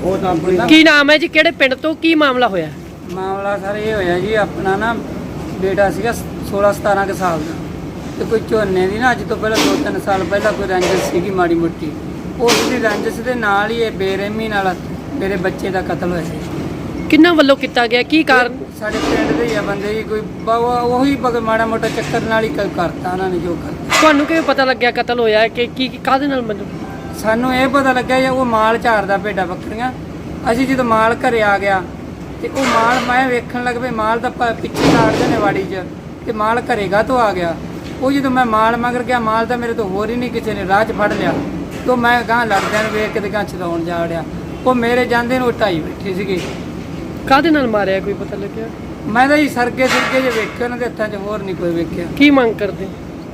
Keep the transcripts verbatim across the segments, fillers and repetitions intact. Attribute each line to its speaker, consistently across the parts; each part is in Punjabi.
Speaker 1: ਕੀ ਨਾਮ ਹੈ ਜੀ, ਕਿਹੜੇ ਪਿੰਡ ਤੋਂ, ਕੀ ਮਾਮਲਾ ਹੋਇਆ?
Speaker 2: ਮਾਮਲਾ ਸਰ ਇਹ ਹੋਇਆ ਜੀ, ਆਪਣਾ ਨਾ ਬੇਟਾ ਸੀਗਾ सोलह सतारह के साल का, तो कोई झोने की ना अज तो पहले दो तीन साल पहला कोई रंजिश सी माड़ी मोटी, उसकी रंजिश के नाल ही बेरहमी नाल मेरे बच्चे का कतल होया।
Speaker 1: किन्ना वल्लों किया गया, की कारण?
Speaker 2: साडे पिंड दे ही बंदे जी, कोई वही माड़ा मोटा चक्कर नाल ही करता उन्होंने जो करता।
Speaker 1: तुहानू किवें पता लग्या कतल होया कि की काहदे नाल? मतलब
Speaker 2: सानू ये पता लग्या जी वो माल झाड़दा भेड्डां बकरियां, असीं जदों माल घरे आ गया तो वो माल मैं वेखण लग पे, माल तो पिछे काटदे ने वाड़ी च, ਤੇ ਮਾਲ ਘਰੇਗਾ ਤੋਂ ਆ ਗਿਆ। ਉਹ ਜਦੋਂ ਮੈਂ ਮਾਲ ਮਗਰ ਗਿਆ, ਮਾਲ ਤਾਂ ਮੇਰੇ ਤੋਂ ਹੋਰ ਹੀ ਨਹੀਂ ਕਿਸੇ ਨੇ ਰਾਹ 'ਚ ਫੜ ਲਿਆ, ਤੋਂ ਮੈਂ ਗਾਂ ਲੜਦਿਆਂ ਨੂੰ ਵੇਖ ਕੇ ਤੇ ਗਾਂ ਛਡਾਉਣ ਜਾ ਵੜਿਆ। ਉਹ ਮੇਰੇ ਜਾਂਦੇ ਨੂੰ ਢਾਈ ਬੈਠੇ ਸੀਗੇ।
Speaker 1: ਕਾਹਦੇ ਨਾਲ ਮਾਰਿਆ, ਕੋਈ ਪਤਾ ਲੱਗਿਆ?
Speaker 2: ਮੈਂ ਤਾਂ ਜੀ ਸਰਗੇ ਸਰਗੇ ਜੇ ਵੇਖੇ ਉਹਨਾਂ ਦੇ ਹੱਥਾਂ 'ਚ, ਹੋਰ ਨਹੀਂ ਕੋਈ ਵੇਖਿਆ।
Speaker 1: ਕੀ ਮੰਗ ਕਰਦੇ?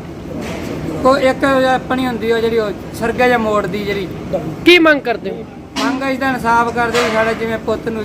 Speaker 2: ਕੋਈ ਇੱਕ ਆਪਣੀ ਹੁੰਦੀ ਉਹ ਜਿਹੜੀ ਉਹ ਸਰਗਾ ਜਾਂ ਮੋੜ ਦੀ ਜਿਹੜੀ
Speaker 1: ਕੀ ਮੰਗ ਕਰਦੇ ਹੋ?
Speaker 2: ਮੰਗ ਇਸ ਦਾ ਇਨਸਾਫ ਕਰਦੇ ਵੀ ਸਾਡਾ ਜਿਵੇਂ ਪੁੱਤ ਨੂੰ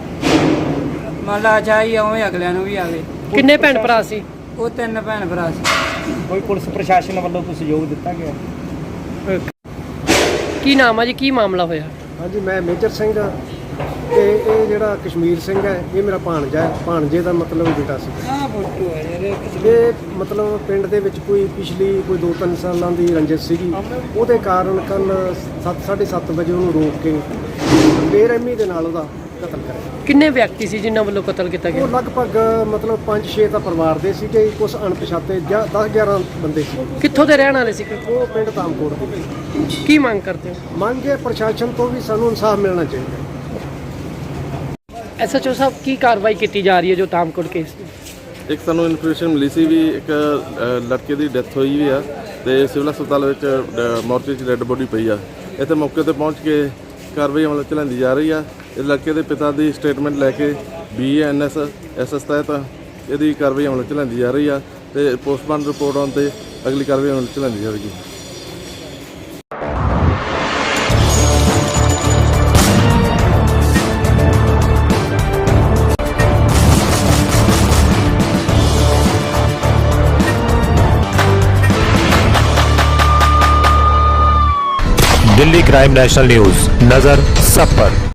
Speaker 2: ਮੰਨ ਲਾ ਚਾਹੀ ਉਵੇਂ ਅਗਲਿਆਂ ਨੂੰ ਵੀ ਆਵੇ।
Speaker 1: ਕਿੰਨੇ ਭੈਣ ਭਰਾ ਸੀ?
Speaker 2: ਉਹ ਤਿੰਨ ਭੈਣ ਭਰਾ ਸੀ।
Speaker 3: ਕੋਈ ਪੁਲਿਸ ਪ੍ਰਸ਼ਾਸਨ ਵੱਲੋਂ ਕੋਈ ਸਹਿਯੋਗ ਦਿੱਤਾ ਗਿਆ?
Speaker 1: ਕੀ ਨਾਮ ਆ ਜੀ, ਕੀ ਮਾਮਲਾ ਹੋਇਆ?
Speaker 4: ਹਾਂਜੀ, ਮੈਂ ਮੇਜਰ ਸਿੰਘ ਤੇ ਇਹ ਜਿਹੜਾ ਕਸ਼ਮੀਰ ਸਿੰਘ ਹੈ ਇਹ ਮੇਰਾ ਭਾਣਜਾ ਹੈ। ਭਾਣਜੇ ਦਾ ਮਤਲਬ ਬੇਟਾ ਸੀ।
Speaker 2: ਆਹ ਫੋਟੋ ਹੈ ਯਾਰ,
Speaker 4: ਇਹ ਮਤਲਬ ਪਿੰਡ ਦੇ ਵਿੱਚ ਕੋਈ ਪਿਛਲੀ ਕੋਈ ਦੋ ਤਿੰਨ ਸਾਲਾਂ ਦੀ ਰੰਜਿਸ਼ ਸੀਗੀ, ਉਹਦੇ ਕਾਰਨ ਕੱਲ ਸੱਤ ਸਾਢੇ ਸੱਤ ਵਜੇ ਉਹਨੂੰ ਰੋਕ ਕੇ ਬੇਰਹਿਮੀ ਦੇ ਨਾਲ ਉਹਦਾ ਕਤਲ ਕਰਿਆ।
Speaker 1: ਕਿੰਨੇ ਵਿਅਕਤੀ ਸੀ ਜਿਨ੍ਹਾਂ ਵੱਲੋਂ ਕਤਲ ਕੀਤਾ
Speaker 4: ਉਹ
Speaker 1: ਗਿਆ?
Speaker 4: ਲਗਭਗ ਮਤਲਬ ਪੰਜ ਛੇ ਤਾਂ ਪਰਿਵਾਰ ਦੇ ਸੀਗੇ, ਕੁਝ ਅਣਪਛਾਤੇ ਜਾਂ ਦਸ ਗਿਆਰਾਂ ਬੰਦੇ ਸੀ।
Speaker 1: ਕਿੱਥੋਂ ਦੇ ਰਹਿਣ ਵਾਲੇ ਸੀ?
Speaker 4: ਉਹ ਪਿੰਡ ਤਾਮਕੋਟ ਦੇ।
Speaker 1: ਕੀ ਮੰਗ ਕਰਦੇ ਹੋ?
Speaker 4: ਮੰਗ ਹੈ ਪ੍ਰਸ਼ਾਸਨ ਤੋਂ ਵੀ ਸਾਨੂੰ ਇਨਸਾਫ ਮਿਲਣਾ ਚਾਹੀਦਾ।
Speaker 1: ਐਸ ਐਚ ਓ ਸਾਹਿਬ, ਕੀ ਕਾਰਵਾਈ ਕੀਤੀ ਜਾ ਰਹੀ ਹੈ ਜੋ ਤਾਮਕੋਟ ਕੇਸ ਦੀ?
Speaker 5: ਇੱਕ ਸਾਨੂੰ ਇਨਫੋਰਮੇਸ਼ਨ ਮਿਲੀ ਸੀ ਵੀ ਇੱਕ ਲੜਕੇ ਦੀ ਡੈਥ ਹੋਈ ਵੀ ਆ ਤੇ ਸਿਵਲ ਹਸਪਤਾਲ ਵਿੱਚ ਮੋਰਚੇ 'ਚ ਡੈੱਡ ਬੋਡੀ ਪਈ ਆ। ਇੱਥੇ ਮੌਕੇ ਤੇ ਪਹੁੰਚ ਕੇ ਕਾਰਵਾਈ ਅਮਲ 'ਚ ਲਿਆਂਦੀ ਜਾ ਰਹੀ ਆ। ਇਸ ਲੜਕੇ ਦੇ ਪਿਤਾ ਦੀ ਸਟੇਟਮੈਂਟ ਲੈ ਕੇ B N S S S ਤਹਿਤ ਇਹਦੀ ਕਾਰਵਾਈ ਅਮਲ 'ਚ ਲਿਆਂਦੀ ਜਾ ਰਹੀ ਆ ਤੇ ਪੋਸਟਮਾਰਟਮ ਰਿਪੋਰਟ ਆਉਣ ਤੇ ਅਗਲੀ ਕਾਰਵਾਈ ਅਮਲ 'ਚ ਲਿਆਂਦੀ ਜਾਵੇਗੀ।
Speaker 6: दिल्ली क्राइम नेशनल न्यूज, नजर सब पर।